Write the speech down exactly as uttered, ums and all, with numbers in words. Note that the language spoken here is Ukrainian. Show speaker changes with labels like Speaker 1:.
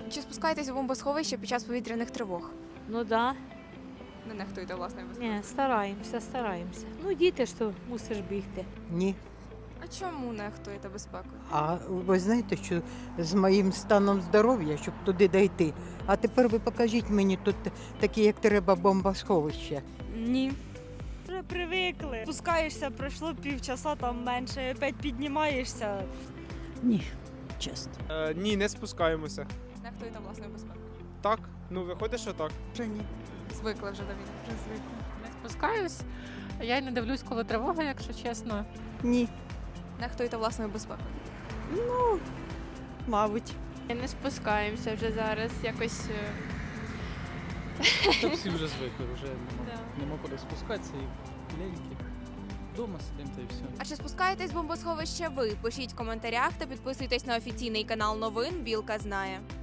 Speaker 1: Чи спускаєтесь у бомбосховище під час повітряних тривог?
Speaker 2: Ну да.
Speaker 1: Не нехтуєте власною безпекою?
Speaker 2: Ні, стараємося, стараємося. Ну, діти ж то мусиш бігти.
Speaker 3: Ні.
Speaker 1: А чому нехтуєте безпекою?
Speaker 3: А ви знаєте, що з моїм станом здоров'я, щоб туди дійти. А тепер ви покажіть мені тут такі, як треба, бомбосховища.
Speaker 4: Ні.
Speaker 5: Вже привикли. Спускаєшся, пройшло півчаса, там менше, опять піднімаєшся.
Speaker 6: Ні, чесно.
Speaker 7: Е, ні, не спускаємося.
Speaker 1: Нехтуєте власною безпекою?
Speaker 7: Так, ну виходить, що так.
Speaker 6: Вже ні.
Speaker 1: Звикли вже до війни? Вже звикли.
Speaker 8: Не спускаюсь. Я й не дивлюсь, коли тривога, якщо чесно.
Speaker 6: Ні,
Speaker 1: Нехтуєте власною безпекою?
Speaker 6: мабуть.
Speaker 4: Не спускаємося вже зараз, якось.
Speaker 9: Та всі вже звикли, вже нема, нема куди спускатися і ленькі. Дома сидимо та і все.
Speaker 1: А чи спускаєтесь в бомбосховище ви? Пишіть в коментарях та підписуйтесь на офіційний канал новин «Білка знає».